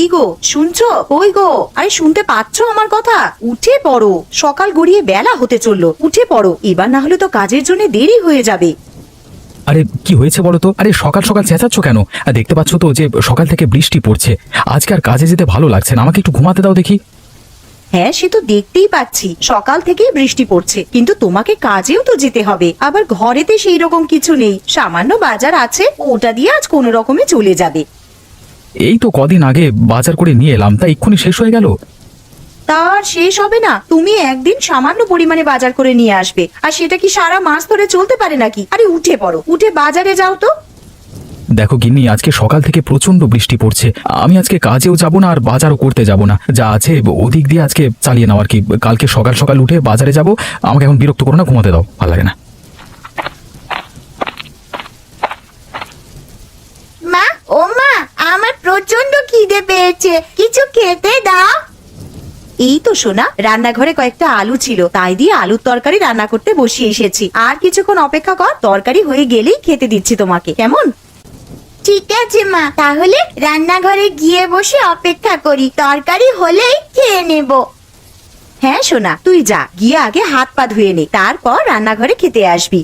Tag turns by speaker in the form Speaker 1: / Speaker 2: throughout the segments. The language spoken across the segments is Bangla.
Speaker 1: গো শুনছো? ওই গো, আরে শুনতে পাচ্ছো আমার কথা? উঠে পড়ো, সকাল গড়িয়ে বেলা হতে চললো, উঠে পড়ো, এবার না হলে তো কাজের জন্য দেরি হয়ে যাবে।
Speaker 2: আরে কি হয়েছে বলো তো? আরে সকাল সকাল চেঁচাচ্ছ কেন? দেখতে পাচ্ছ তো যে সকাল থেকে বৃষ্টি পড়ছে। আজকে আর কাজে যেতে ভালো লাগছে না, আমাকে একটু ঘুমাতে দাও দেখি।
Speaker 1: হ্যাঁ সে তো দেখতেই পাচ্ছি, সকাল থেকেই বৃষ্টি পড়ছে, কিন্তু তোমাকে কাজেও তো যেতে হবে। আবার ঘরেতে সেই রকম কিছু নেই, সামান্য বাজার আছে, ওটা দিয়ে আজ কোনো রকমে চলে যাবে।
Speaker 2: এই তো কদিন আগে বাজার করে নিয়ে এলাম, তা এক্ষুনি শেষ হয়ে গেল।
Speaker 1: তার শেষ হবে না? তুমি একদিন সামান্য পরিমাণে বাজার করে নিয়ে আসবে, আর সেটা কি সারা মাস ধরে চলতে পারে নাকি? আরে উঠে পড়ো, উঠে বাজারে যাও তো।
Speaker 2: দেখো গিন্নি, আজকে সকাল থেকে প্রচন্ড বৃষ্টি পড়ছে, আমি আজকে কাজেও যাব না আর বাজারও করতে যাব না, যা আছে ওদিক দিয়ে আজকে চালিয়ে নাও আর কি। কালকে সকাল সকাল উঠে বাজারে যাব। আমাকে এখন বিরক্ত করো না, ঘুমাতে দাও, ভালো লাগে না।
Speaker 1: মা, ও মা, আমার প্রচন্ড খিদে পেয়েছে, কিছু খেতে দাও। এই তো সোনা, রান্নাঘরে কয়েকটা আলু ছিল, তাই দিয়ে আলুর তরকারি রান্না করতে বসিয়ে এসেছি। আর কিছুক্ষণ অপেক্ষা কর, তরকারি হয়ে গেলেই খেতে দিচ্ছি তোমাকে, কেমন? ঠিক আছে মা, তাহলে রান্নাঘরে গিয়ে বসে অপেক্ষা করি, তরকারি হলেই খেয়ে নেব। হ্যাঁ সোনা, তুই যা, গিয়ে আগে হাত পা ধুয়ে নে, তারপর রান্নাঘরে খেতে আসবি।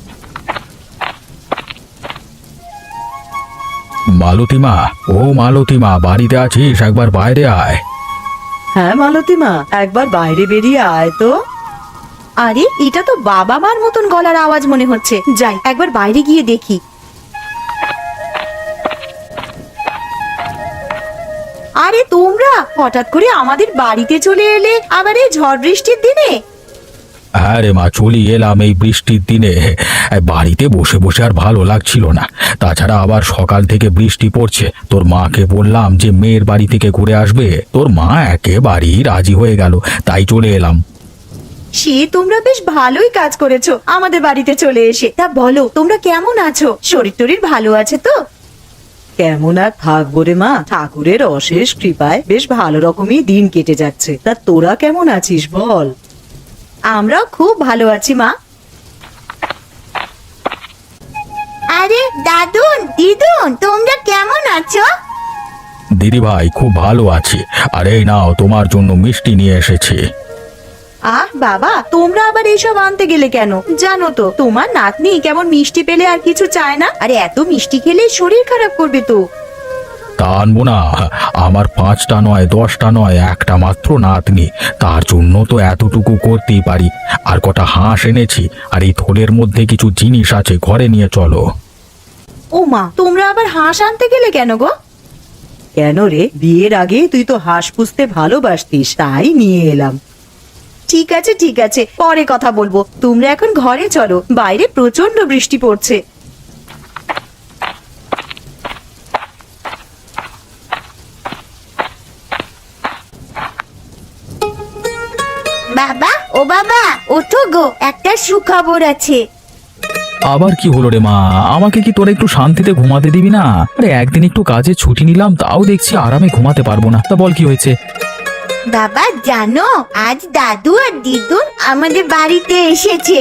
Speaker 2: মালতীমা, ও মালতীমা, বাড়িতে আছিস? একবার বাইরে আয়।
Speaker 1: হ্যাঁ মালতী মা, একবার বাইরে বেরিয়ে আয় তো। আরে এটা তো বাবা মার মতন গলার আওয়াজ মনে হচ্ছে, যাই একবার বাইরে গিয়ে দেখি। আরে তোমরা হঠাৎ করে আমাদের বাড়িতে চলে এলে, আবার এই ঝড় বৃষ্টির দিনে?
Speaker 2: হ্যাঁ রে মা, চলি এলাম এই বৃষ্টির দিনে। বাড়িতে বসে বসে আর ভালো লাগছিল না, তাছাড়া আবার সকাল থেকে বৃষ্টি পড়ছে। তোর মাকে বললাম যে মেয়ের বাড়ি থেকে ঘুরে আসবে, তোর মা একেবারেই রাজি হয়ে গেল, তাই চলে এলাম।
Speaker 1: সে তোমরা বেশ ভালোই কাজ করেছো আমাদের বাড়িতে চলে এসে। তা বলো, তোমরা কেমন আছো? শরীর টরীর ভালো আছে তো? কেমন আর থাকবো রে মা, ঠাকুরের অশেষ কৃপায় বেশ ভালো রকমই দিন কেটে যাচ্ছে। তা তোরা কেমন আছিস বল? আমরাও খুব ভালো আছি মা। আরে দাদুন, দিদুন, তোমরা কেমন আছো?
Speaker 2: দিদি ভাই, খুব ভালো আছি। আর এই নাও, তোমার জন্য মিষ্টি নিয়ে এসেছি।
Speaker 1: আহ বাবা, তোমরা আবার এইসব আনতে গেলে কেন? জানো তো তোমার নাতনি কেমন মিষ্টি পেলে আর কিছু চায় না, আরে এত মিষ্টি খেলে শরীর খারাপ করবে তো।
Speaker 2: তা আনবো না? আমার 5টা নয়, 10টা নয়, একটা মাত্র নাতনি, তার জন্য তো এতটুকু করতেই পারি। আর কটা হাঁস এনেছি, আর এই থলের মধ্যে কিছু জিনিস আছে, ঘরে নিয়ে চলো।
Speaker 1: ও মা, তোমরা আবার হাঁস আনতে গেলে কেন গো? কেন রে, বিয়ের আগে তুই তো হাঁস পুষতে ভালোবাসতিস, তাই নিয়ে এলাম। ঠিক আছে ঠিক আছে, পরে কথা বলবো, তোমরা এখন ঘরে চলো, বাইরে প্রচন্ড বৃষ্টি পড়ছে। বাবা, ও বাবা, ওঠো গো, একটা সুখবর আছে।
Speaker 2: আবার কি হলো রে মা? আমাকে কি তোরা একটু শান্তিতে ঘুমাতে দিবি না? আরে একদিন একটু কাজে ছুটি নিলাম, তাও দেখছি আরামে ঘুমাতে পারবো না। তা বল কি হয়েছে?
Speaker 1: বাবা জানো, আজ দাদু আর দিদুন আমাদের বাড়িতে এসেছে।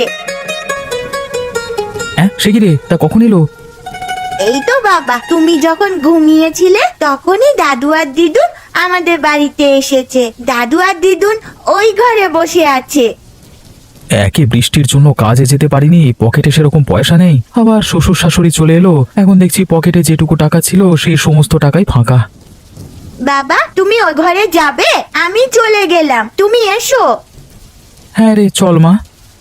Speaker 2: হ্যাঁ, সে কি রে? তা কখন এলো?
Speaker 1: এই তো বাবা, তুমি যখন ঘুমিয়েছিলে তখনই দাদু আর দিদুন আমাদের বাড়িতে এসেছে। দাদু আর দিদুন ওই ঘরে বসে আছে।
Speaker 2: একে বৃষ্টির জন্য কাজে যেতে পারিনি, পকেটে সেরকম পয়সা নেই, আবার শ্বশুর শাশুড়ি চলে এলো, এখন দেখছি পকেটে যেটুকু টাকা ছিল সেই সমস্ত টাকাই ফাঁকা।
Speaker 1: বাবা তুমি ওই ঘরে যাবে? আমি চলে গেলাম, তুমি এসো।
Speaker 2: হ্যাঁ রে, চল মা।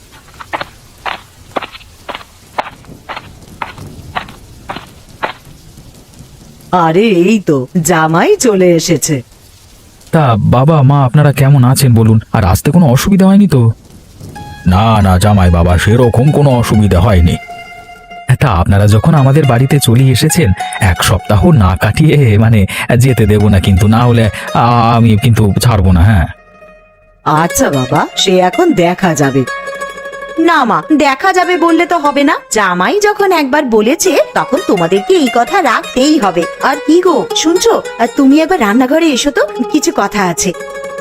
Speaker 1: আরে এই তো জামাই চলে এসেছে।
Speaker 2: তা বাবা মা আপনারা কেমন আছেন বলুন? আর আসতে কোনো অসুবিধা হয়নি তো? না না জামাই বাবা, সেরকম কোনো অসুবিধা হয়নি। তা আপনারা যখন আমাদের বাড়িতে চলে এসেছেন, 1 সপ্তাহ না কাটিয়ে মানে যেতে দেব না কিন্তু, না হলে আমি কিন্তু ছাড়বো না। হ্যাঁ
Speaker 1: আচ্ছা বাবা, সে এখন দেখা যাবে। না মা, দেখা যাবে বললে তো হবে না, জামাই যখন একবার বলেছে তখন তোমাদেরকে এই কথা রাখতেই হবে। আর কি গো শুনছো, আর তুমি একবার রান্নাঘরে এসো তো, কিছু কথা আছে।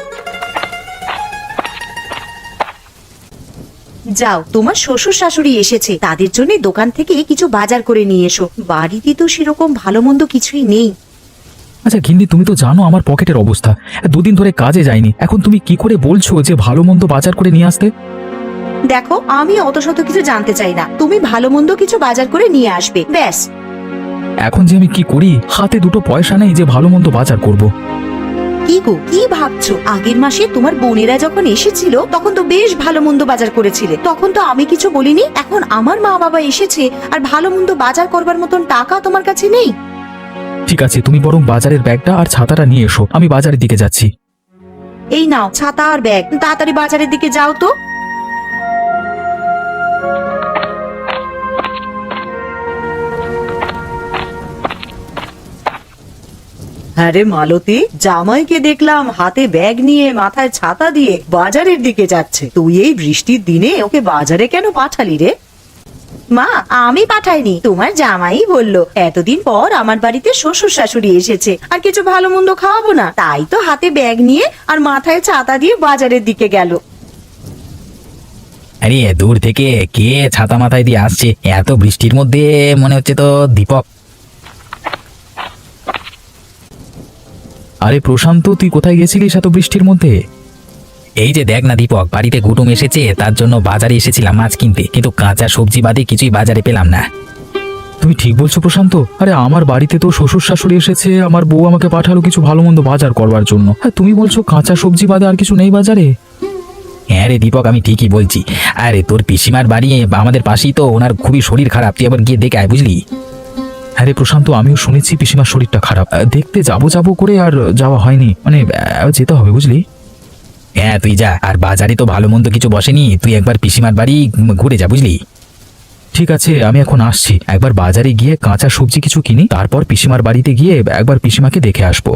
Speaker 1: যাও, তোমার শ্বশুর শাশুড়ি এসেছে, তাদের জন্য দোকান থেকে কিছু বাজার করে নিয়ে এসো। বাড়িতে তো সেরকম ভালো মন্দ কিছুই নেই।
Speaker 2: আচ্ছা গিন্নি, তুমি তো জানো আমার পকেটের অবস্থা। দুদিন ধরে কাজে যাইনি, এখন তুমি কি করে বলছো যে ভালো মন্দ বাজার করে নিয়ে আসতে?
Speaker 1: দেখো, আমি অত শত কিছু জানতে চাই না, তুমি ভালো মন্দ কিছু বাজার করে নিয়ে আসবে, ব্যাস।
Speaker 2: এখন যে আমি কি করি, হাতে দুটো পয়সা নেই যে ভালো মন্দ বাজার করব।
Speaker 1: কি গো, কি ভাবছো? আগের মাসে তোমার বোনেরা যখন এসেছিল তখন তো বেশ ভালো মন্দ বাজার করেছিলে, তখন তো আমি কিছু বলিনি। এখন আমার মা বাবা এসেছে আর ভালো মন্দ বাজার করবার মতন টাকা তোমার কাছে নেই।
Speaker 2: ঠিক আছে, তুমি বরং বাজারের ব্যাগটা আর ছাতাটা নিয়ে এসো, আমি বাজারের দিকে যাচ্ছি।
Speaker 1: এই নাও ছাতা আর ব্যাগ, তাড়াতাড়ি বাজারের দিকে যাও তো। আরে মালতী, জামাইকে দেখলাম হাতে ব্যাগ নিয়ে মাথায় ছাতা দিয়ে বাজারের দিকে যাচ্ছে। তুই এই বৃষ্টির দিনে ওকে বাজারে কেন পাঠালি রে? মা, আমি পাঠাইনি, তোমার জামাই বললো এতদিন পর আমার বাড়িতে শ্বশুর শাশুড়ি এসেছে আর কিছু ভালো মন্দ খাওয়াবো না, তাই তো হাতে ব্যাগ নিয়ে আর মাথায় ছাতা দিয়ে বাজারের দিকে গেল।
Speaker 3: আরে দূর থেকে কে ছাতা মাথায় দিয়ে আসছে এত বৃষ্টির মধ্যে? মনে হচ্ছে তো দীপক।
Speaker 2: আরে প্রশান্ত, তুই কোথায় গেছিলিস এত বৃষ্টির মধ্যে?
Speaker 3: এই যে দেখ না দীপক, বাড়িতে কুটুম এসেছে, তার জন্য বাজারে এসেছিলাম মাছ কিনতে, কিন্তু কাঁচা সবজি বাদে কিছুই বাজারে পেলাম না।
Speaker 2: তুমি ঠিক বলছো প্রশান্ত। আরে আমার বাড়িতে তো শ্বশুর শাশুড়ি এসেছে, আমার বউ আমাকে পাঠালো কিছু ভালো মন্দ বাজার করবার জন্য। হ্যাঁ, তুমি বলছো কাঁচা সবজি বাদে আর কিছু নেই বাজারে?
Speaker 3: হ্যাঁ রে দীপক, আমি ঠিকই বলছি। আরে তোর পিসিমার বাড়ি আমাদের পাশেই তো, ওনার খুবই শরীর খারাপ, তুই আবার গিয়ে দেখে আয়, বুঝলি?
Speaker 2: হ্যাঁ রে প্রশান্ত, আমিও শুনেছি পিসিমার শরীরটা খারাপ। দেখতে যাবো করে আর যাওয়া হয়নি, মানে যেতে হবে, বুঝলি?
Speaker 3: হ্যাঁ তুই যা, আর বাজারে তো ভালো মন্দ কিছু বসেনি, তুই একবার পিসিমার বাড়ি ঘুরে যা, বুঝলি?
Speaker 2: ঠিক আছে, আমি এখন আসছি। একবার বাজারে গিয়ে কাঁচা সবজি কিছু কিনি, তারপর পিসিমার বাড়িতে গিয়ে একবার পিসিমাকে দেখে আসবো।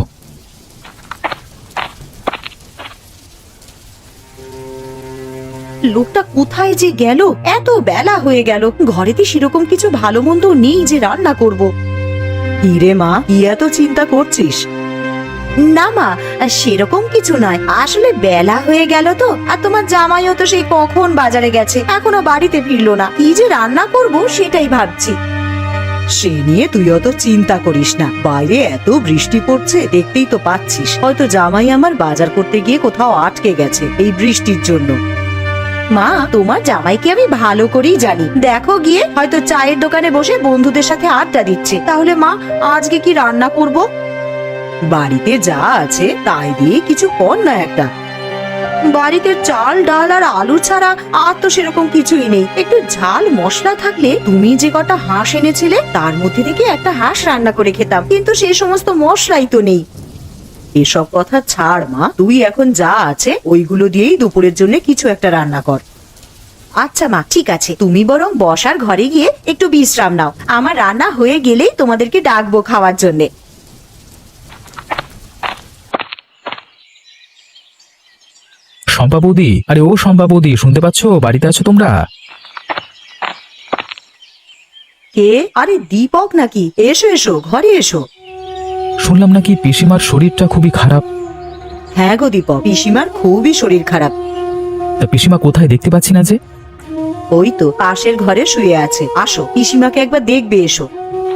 Speaker 1: লোকটা কোথায় যে গেল? এত বেলা হয়ে গেল, ঘরেতে সেরকম কিছু ভালো মন্দ নেই যে রান্না করব।
Speaker 4: হিরে মা, কি এত চিন্তা করছিস?
Speaker 1: না মা, সেরকম কিছু নয়, আসলে বেলা হয়ে গেল তো, আর তোমার জামাইও তো সেই কখন বাজারে গেছে, এখনো বাড়িতে ফিরলো না। কি যে রান্না করব সেটাই ভাবছি।
Speaker 4: সে নিয়ে তুই অত চিন্তা করিস না, বাইরে এত বৃষ্টি পড়ছে দেখতেই তো পাচ্ছিস। হয়তো জামাই আমার বাজার করতে গিয়ে কোথাও আটকে গেছে এই বৃষ্টির জন্য।
Speaker 1: মা, তোমার জামাইকে আমি ভালো করেই জানি, দেখো গিয়ে হয়তো চায়ের দোকানে বসে বন্ধুদের সাথে আড্ডা দিচ্ছে। তাহলে মা, আজকে কি রান্না করব?
Speaker 4: বাড়িতে যা আছে তাই দিয়ে কিছু কর না একটা।
Speaker 1: বাড়িতে চাল ডাল আর আলু ছাড়া আর তো সেরকম কিছুই নেই। একটু ঝাল মশলা থাকলে, তুমি যে কটা হাঁস এনেছিলে তার মধ্যে থেকে একটা হাঁস রান্না করে খেতাম, কিন্তু সেই সমস্ত মশলাই তো নেই।
Speaker 4: এসব কথা ছাড় মা, তুই এখন যা আছে ওইগুলো দিয়েই দুপুরের জন্য কিছু একটা রান্না কর।
Speaker 1: আচ্ছা মা, ঠিক আছে, তুমি বরং বসার ঘরে গিয়ে একটু বিশ্রাম নাও, আমার রান্না হয়ে গেলেই তোমাদেরকে ডাকবো খাওয়ার জন্যে।
Speaker 2: শম্পা বৌদি, আরে ও শম্পা বৌদি, শুনতে পাচ্ছ? বাড়িতে আছো তোমরা?
Speaker 4: কে? আরে দীপক নাকি? এসো এসো, ঘরে এসো।
Speaker 2: শুনলাম নাকি পিসিমার শরীরটা খুবই খারাপ।
Speaker 4: হ্যাঁ গো দীপক, পিসিমার খুবই শরীর খারাপ।
Speaker 2: তা পিসিমা কোথায়, দেখতে পাচ্ছি না যে?
Speaker 4: ওই তো পাশের ঘরে শুয়ে আছে, আসো পিসিমাকে একবার দেখবে, এসো।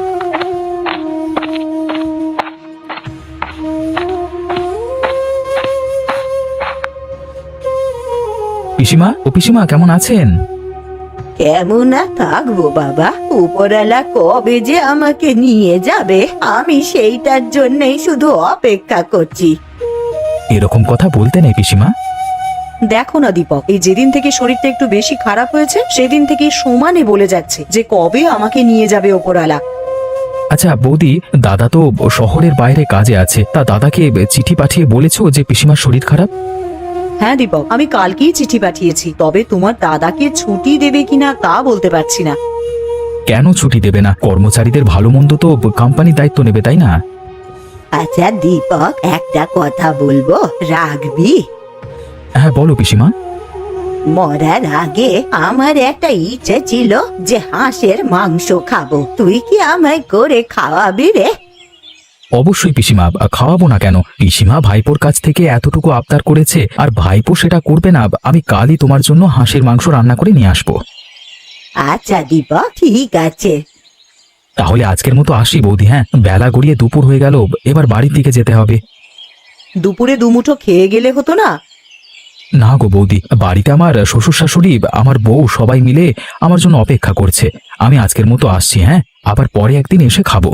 Speaker 2: পিসিমা, ও পিসিমা, কেমন আছেন?
Speaker 1: কেমন আর থাকবো বাবা, উপরওয়ালা কবে যে আমাকে নিয়ে যাবে আমি সেইটার জন্যই শুধু অপেক্ষা করছি।
Speaker 2: এরকম কথা বলতে নেই পিসিমা।
Speaker 4: দেখো না দীপক, এই যেদিন থেকে শরীরটা একটু বেশি খারাপ হয়েছে সেদিন থেকে সমানে বলে যাচ্ছে যে কবে আমাকে নিয়ে যাবে ওপরওয়ালা।
Speaker 2: আচ্ছা বৌদি, দাদা তো শহরের বাইরে কাজে আছে, তা দাদাকে চিঠি পাঠিয়ে বলেছো যে পিসিমার শরীর খারাপ?
Speaker 4: হ্যাঁ দীপক, আমি কালকেই চিঠি পাঠিয়েছি, তবে তোমার দাদাকে ছুটি দেবে কিনা তা বলতে পারছি না।
Speaker 2: কেন ছুটি দেবে না? কর্মচারীদের ভালো মন্দ তো কোম্পানি দায়িত্ব নেবে, তাই না?
Speaker 1: আচ্ছা দীপক, একটা কথা বলবো, রাখবি?
Speaker 2: হ্যাঁ বলো পিসিমা।
Speaker 1: মরার আগে আমার একটা ইচ্ছে ছিল যে হাঁসের মাংস খাবো, তুই কি আমায় করে খাওয়াবি রে?
Speaker 2: অবশ্যই পিসিমা, খাওয়াবো না কেন? পিসিমা ভাইপোর কাছ থেকে এতটুকু আবদার করেছে, আর ভাইপো সেটা করবে না? আমি কালই তোমার জন্য হাঁসের মাংস রান্না করে নিয়ে আসবো।
Speaker 1: আচ্ছা দীপক, ঠিক আছে।
Speaker 2: তাহলে আজকের মতো আসি বৌদি, হ্যাঁ? বেলা গড়িয়ে দুপুর হয়ে গেল, এবার বাড়ির দিকে যেতে হবে।
Speaker 4: দুপুরে দুমুঠো খেয়ে গেলে হতো না?
Speaker 2: না গো বৌদি, বাড়িতে আমার শ্বশুর শাশুড়ি, আমার বউ সবাই মিলে আমার জন্য অপেক্ষা করছে। আমি আজকের মতো আসছি, হ্যাঁ? আবার পরে একদিন এসে খাবো।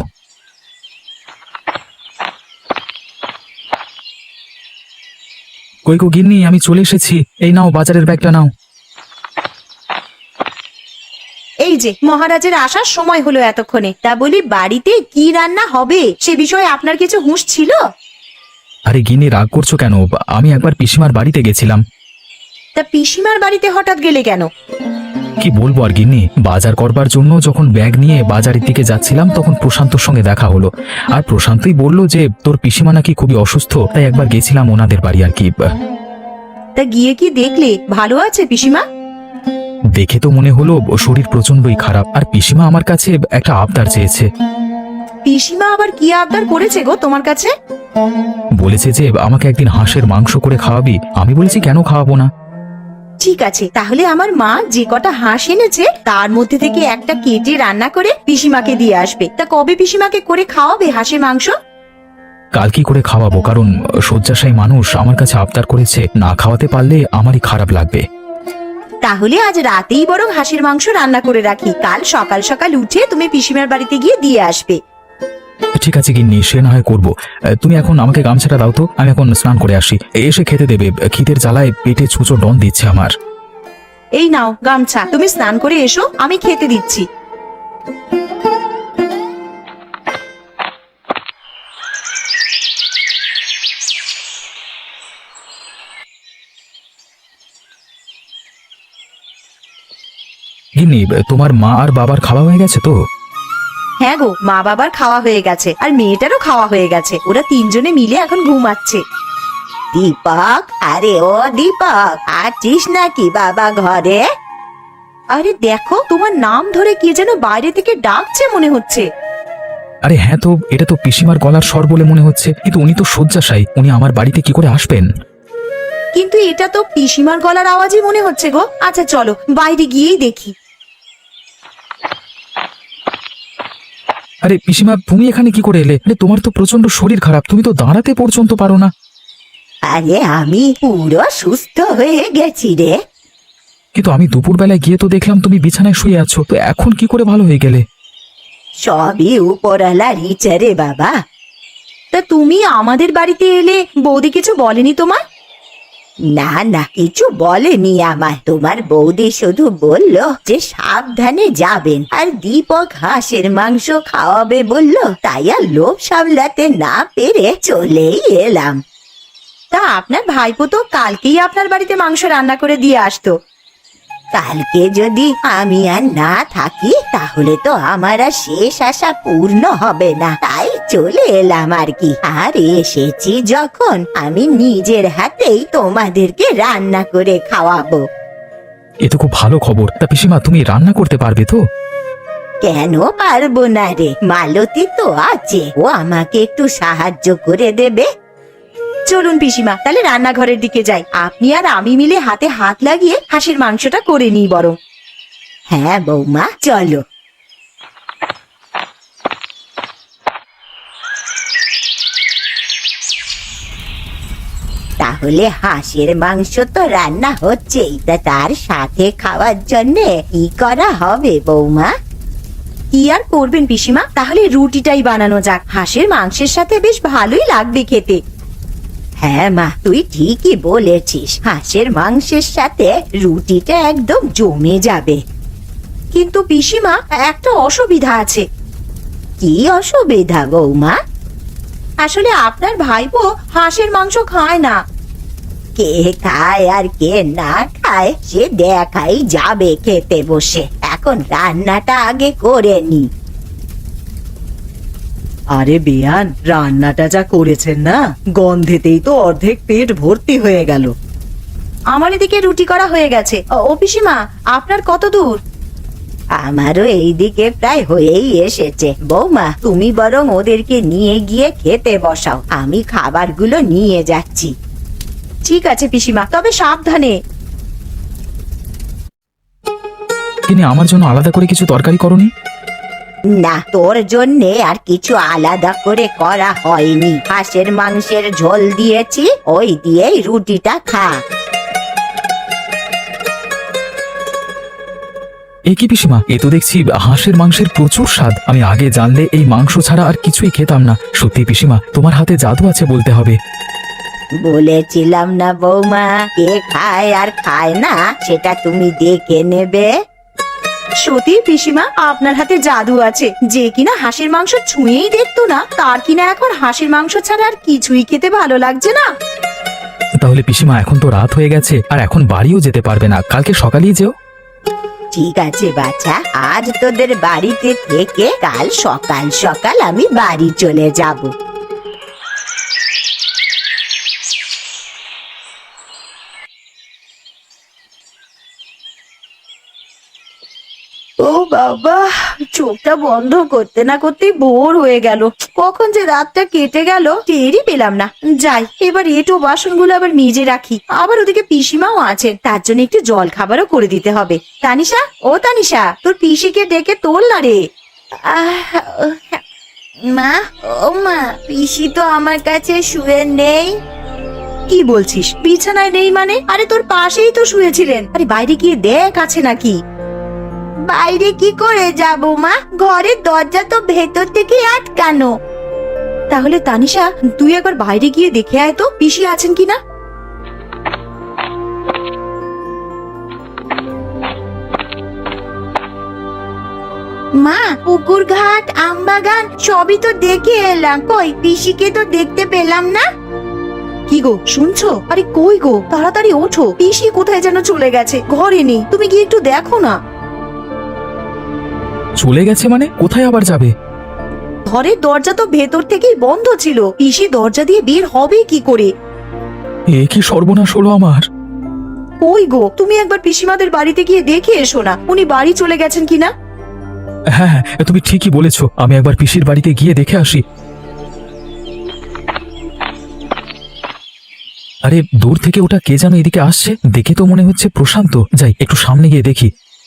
Speaker 2: কই গো গিন্নি, আমি চলে এসেছি। এই নাও বাজারের ব্যাগটা নাও।
Speaker 1: এই যে মহারাজের আসার সময় হলো এতক্ষণে, তা বলি বাড়িতে কি রান্না হবে সে বিষয়ে আপনার কিছু হুঁশ ছিল?
Speaker 2: আরে গিন্নি, রাগ করছো কেন? আমি একবার পিসিমার বাড়িতে গেছিলাম।
Speaker 1: তা পিসিমার বাড়িতে হঠাৎ গেলে কেন?
Speaker 2: কি বলবো আর গিন্নি, বাজার করবার জন্য যখন ব্যাগ নিয়ে বাজারের দিকে যাচ্ছিলাম তখন প্রশান্তর সঙ্গে দেখা হলো। আর প্রশান্তই বলল যে তোর পিসিমা নাকি খুবই অসুস্থ, তাই একবার গেছিলাম ওনাদের বাড়ি আর কি।
Speaker 1: তা গিয়ে কি দেখলে ভালো আছে পিসিমা?
Speaker 2: দেখে তো মনে হলো শরীর প্রচন্ডই খারাপ। আর পিসিমা আমার কাছে একটা আবদার চেয়েছে।
Speaker 1: পিসিমা আবার কি আবদার করেছে গো তোমার কাছে?
Speaker 2: বলেছে যে আমাকে একদিন হাঁসের মাংস করে খাওয়াবি। আমি বলেছি কেন খাওয়াবো না।
Speaker 1: ঠিক আছে, তাহলে আমার মা যে কটা হাঁস এনেছে তার মধ্যে থেকে একটা কেটে রান্না করে পিসিমাকে দিয়ে আসবে। তা কবে পিসিমাকে করে খাওয়াবে হাঁসের মাংস?
Speaker 2: কাল কি করে খাওয়াবো, কারণ শয্যাশায়ী মানুষ আমার কাছে আবদার করেছে, না খাওয়াতে পারলে আমারই খারাপ লাগবে।
Speaker 1: তাহলে আজ রাতেই বরং হাঁসের মাংস রান্না করে রাখি, কাল সকাল সকাল উঠে তুমি পিসিমার বাড়িতে গিয়ে দিয়ে আসবে।
Speaker 2: ঠিক আছে গিন্নি, সে না হয় করবো। তুমি এখন আমাকে গামছাটা দাও তো, আমি এখন স্নান করে আসি। এসে খেতে দেবে, খিদের জ্বালায় পেটে ছুঁচো ডন দিচ্ছে আমার।
Speaker 1: এই নাও গামছা, তুমি স্নান করে এসো, আমি খেতে দিচ্ছি।
Speaker 2: গিন্নি, তোমার মা আর বাবার খাওয়া হয়ে গেছে তো?
Speaker 1: হ্যাঁ গো, মা বাবার খাওয়া হয়ে গেছে, আর মেয়েটারও খাওয়া হয়ে গেছে। ওরা তিনজনে মিলে এখন ঘুমাচ্ছে। দীপক, আরে ও দীপক, আছিস নাকি বাবা ঘরে? আরে দেখো, তোমার নাম ধরে কে যেন বাইরে থেকে ডাকছে মনে হচ্ছে।
Speaker 2: আরে হ্যাঁ তো, এটা তো পিসিমার গলার স্বর বলে মনে হচ্ছে, কিন্তু উনি তো শয্যাশায়ী, উনি আমার বাড়িতে কি করে আসবেন?
Speaker 1: কিন্তু এটা তো পিসিমার গলার আওয়াজই মনে হচ্ছে গো। আচ্ছা চলো বাইরে গিয়েই দেখি।
Speaker 2: আরে পিসিমা, তুমি এখানে কি করে এলে? আরে তোমার তো প্রচন্ড শরীর খারাপ, তুমি তো দাঁড়াতে পর্যন্ত পারো না।
Speaker 1: আরে আমি পুরো সুস্থ হয়ে গেছি রে।
Speaker 2: কিন্তু আমি দুপুরবেলায় গিয়ে তো দেখলাম তুমি বিছানায় শুয়ে আছো, তো এখন কি করে ভালো হয়ে গেলে?
Speaker 1: সবই উপরওয়ালার ইচ্ছা রে বাবা। তা তুমি আমাদের বাড়িতে এলে বৌদি কিছু বলেনি তোমার? না না, কিছু বলেনি আমায়। তোমার বৌদি শুধু বলল যে সাবধানে যাবেন, আর দীপক হাঁসের মাংস খাওয়াবে বলল, তাই আর লোভ সামলাতে না পেরে চলেই এলাম। তা আপনার ভাইপো তো কালকেই আপনার বাড়িতে মাংস রান্না করে দিয়ে আসতো। কালকে যদি আমি আর না থাকি তাহলে তো আমার আর শেষ আশা পূর্ণ হবে না, তাই চলে এলাম আর কি। আর এসেছি যখন, আমি নিজের হাতেই তোমাদেরকে রান্না করে খাওয়াবো।
Speaker 2: এ তো খুব ভালো খবর। তা পিসিমা, তুমি রান্না করতে পারবে তো?
Speaker 1: কেন পারবো না রে, মালতী তো আছে, ও আমাকে একটু সাহায্য করে দেবে। চলুন পিসিমা, তাহলে রান্নাঘরের দিকে যাই। আপনি আর আমি মিলে হাতে হাত লাগিয়ে হাঁসের মাংসটা করে নিই বরং। হ্যাঁ বৌমা, চলো। তাহলে হাঁসের মাংস তো রান্না হচ্ছেই, তা তার সাথে খাওয়ার জন্য কি করা হবে বৌমা? কি আর করবেন পিসিমা, তাহলে রুটিটাই বানানো যাক। হাঁসের মাংসের সাথে বেশ ভালোই লাগবে খেতে। হ্যাঁ মা, তুই ঠিকই বলেছিস, হাঁসের মাংসের সাথে রুটিটা একদম জমে যাবে। কিন্তু পিসিমা, একটা অসুবিধা আছে। কি অসুবিধা বৌমা? আসলে আপনার ভাইপো হাঁসের মাংস খায় না। কে খায় আর কে না খায় সে দেখাই যাবে খেতে বসে। এখন রান্নাটা আগে করে নি।
Speaker 4: আরে বেয়ান, রান্নাটা যা করেছেন না, গন্ধেতেই তো অর্ধেক পেট ভর্তি হয়ে গেল।
Speaker 1: আমার এদিকে রুটি করা হয়ে গেছে। ও পিসিমা, আপনার কত দূর? আমারও এইদিকে প্রায় হয়েই এসেছে। বৌমা, তুমি বরং ওদেরকে নিয়ে গিয়ে খেতে বসাও, আমি খাবারগুলো নিয়ে যাচ্ছি। ঠিক আছে পিসিমা, তবে সাবধানে।
Speaker 2: তিনি আমার জন্য আলাদা করে কিছু তরকারি করনি?
Speaker 1: না, তোর জন্যে আর কিছু আলাদা করে করা হয়নি। হাঁসের মাংসের ঝোল দিয়েছি, ওই দিয়েই রুটিটা খা।
Speaker 2: এ কি পিসিমা, এ তো দেখছি হাঁসের মাংসের প্রচুর স্বাদ। আমি আগে জানলে এই মাংস ছাড়া আর কিছুই খেতাম না। সত্যি পিসিমা, তোমার হাতে জাদু আছে বলতে হবে।
Speaker 1: বলেছিলাম না বৌমা, কে খায় আর খায় না সেটা তুমি দেখে নেবে।
Speaker 4: সত্যি পিসিমা, আপনার হাতে জাদু আছে। যে কিনা হাঁসের মাংস ছুঁয়েই দেখতো না, তার কিনা এখন হাঁসের মাংস ছাড়া আর কিছুই খেতে ভালো লাগছে না।
Speaker 2: তাহলে পিসিমা, এখন তো রাত হয়ে গেছে, আর এখন বাড়িও যেতে পারবে না, কালকে সকালেই যেও।
Speaker 1: ঠিক আছে বাচ্চা, আজ তোদের বাড়িতে থেকে কাল সকাল সকাল আমি বাড়ি চলে যাব।
Speaker 4: ও বাবা, চোখটা বন্ধ করতে না করতেই ভোর হয়ে গেল। কখন যে রাতটা কেটে গেল টেরই পেলাম না। যাই, এবার এঁটো বাসনগুলো আবার মেজে রাখি। আবার ওদিকে পিসিমাও আছেন, তার জন্য একটু জল খাবারও করে দিতে হবে। তানিশা, ও তানিশা, তোর পিসিকে ডেকে তোল না রে।
Speaker 1: মা, ও মা, পিসি তো আমার কাছে শুয়ে নেই।
Speaker 4: কি বলছিস? বিছানায় নেই মানে? আরে তোর পাশেই তো শুয়েছিলেন। আরে বাইরে গিয়ে দেখ আছে নাকি।
Speaker 1: বাইরে কি করে যাব মা? ঘরের দরজা তো ভেতর থেকে আটকানো।
Speaker 4: তাহলে তানিশা, তুই একবার বাইরে গিয়ে দেখে আয় তো পিসি আছেন কিনা।
Speaker 1: মা, পুকুর ঘাট, আমবাগান সবই তো দেখে এলাম, কই পিসিকে তো দেখতে পেলাম না।
Speaker 4: কি গো, শুনছো? আরে কই গো, তাড়াতাড়ি ওঠো, পিসি কোথায় যেন চলে গেছে, ঘরে নেই। তুমি গিয়ে একটু দেখো না।
Speaker 2: চলে গেছে মানে? কোথায় আবার যাবে?
Speaker 4: ঘরের দরজা তো ভেতর থেকেই বন্ধ ছিল, পিসি দরজা দিয়ে বের হবে কি করে?
Speaker 2: এ কি সর্বনাশ হলো আমার!
Speaker 4: কই গো, তুমি একবার পিসিমাদের বাড়িতে গিয়ে দেখে এসো না, উনি বাড়ি চলে গেছেন কিনা।
Speaker 2: হ্যাঁ হ্যাঁ, তুমি ঠিকই বলেছো, আমি একবার পিসির বাড়িতে গিয়ে দেখে আসি। আরে দূর থেকে ওটা কে যেন এদিকে আসছে, দেখে তো মনে হচ্ছে প্রশান্ত। যাই, একটু সামনে গিয়ে দেখি।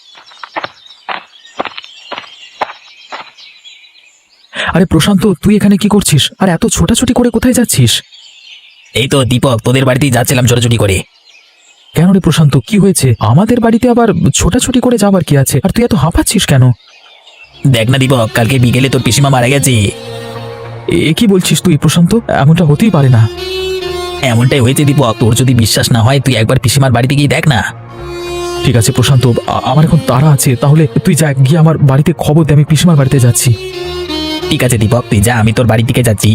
Speaker 2: আরে প্রশান্ত, তুই এখানে কি করছিস? আর এত ছোটাছুটি করে কোথায় যাচ্ছিস?
Speaker 3: এই তো দীপক, তোদের বাড়িতেই যাচ্ছিলাম ছোটাছুটি করে।
Speaker 2: কেন রে প্রশান্ত, কি হয়েছে? আমাদের বাড়িতে আবার ছোটাছুটি করে যাবার কি আছে? আর তুই এত হাঁপাচ্ছিস কেন?
Speaker 3: দেখ না দীপক, কালকে বিকেলে তোর পিসিমা মারা গেছে।
Speaker 2: এ কি বলছিস তুই প্রশান্ত? এমনটা হতেই পারে না।
Speaker 3: এমনটাই হয়েছে দীপক, তোর যদি বিশ্বাস না হয় তুই একবার পিসিমার বাড়িতে গিয়ে দেখ না।
Speaker 2: ঠিক আছে প্রশান্ত, আমার এখন তাড়া আছে, তাহলে তুই যা, গিয়ে আমার বাড়িতে খবর দে, আমি পিসিমার বাড়িতে যাচ্ছি।
Speaker 3: ঠিক আছে দীপক, তুই যা, আমি তোর বাড়ির দিকে যাচ্ছি।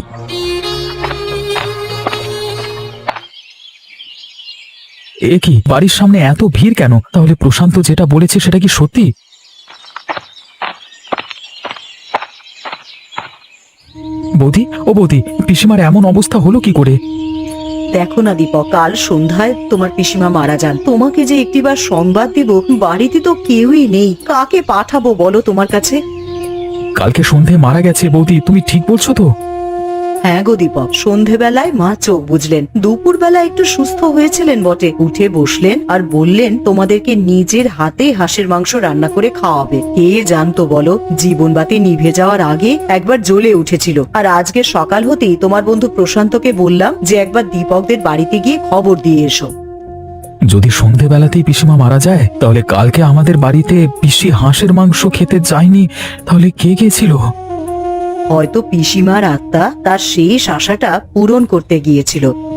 Speaker 2: এ কি, বাড়ির সামনে এত ভিড় কেন? তাহলে প্রশান্ত যেটা বলেছে সেটা কি সত্যি? বৌদি, ও বৌদি, পিসিমার এমন অবস্থা হলো কি করে?
Speaker 4: দেখো না দীপক, কাল সন্ধ্যায় তোমার পিসিমা মারা যান। তোমাকে যে একটিবার সংবাদ দিব, বাড়িতে তো কেউই নেই, কাকে পাঠাবো বলো তোমার কাছে?
Speaker 2: কালকে সন্ধে মারা গেছে বৌদি, তুমি ঠিক বলছো তো?
Speaker 4: হ্যাঁ গো দীপক, সন্ধেবেলায় মা চোখ বুঝলেন। দুপুরবেলা একটু সুস্থ হয়েছিলেন বটে, উঠে বসলেন আর বললেন তোমাদেরকে নিজের হাতে হাঁসের মাংস রান্না করে খাওয়াবে। কে জানতো বলো, জীবনবাতি নিভে যাওয়ার আগে একবার জ্বলে উঠেছিল। আর আজকে সকাল হতেই তোমার বন্ধু প্রশান্তকে বললাম যে একবার দীপকদের বাড়িতে গিয়ে খবর দিয়ে এসো।
Speaker 2: যদি সন্ধেবেলাতেই পিসিমা মারা যায়, তাহলে কালকে আমাদের বাড়িতে পিসি হাঁসের মাংস খেতে যায়নি, তাহলে কে গেছিল?
Speaker 4: হয়তো পিসিমার আত্মা তার শেষ আশাটা পূরণ করতে গিয়েছিল।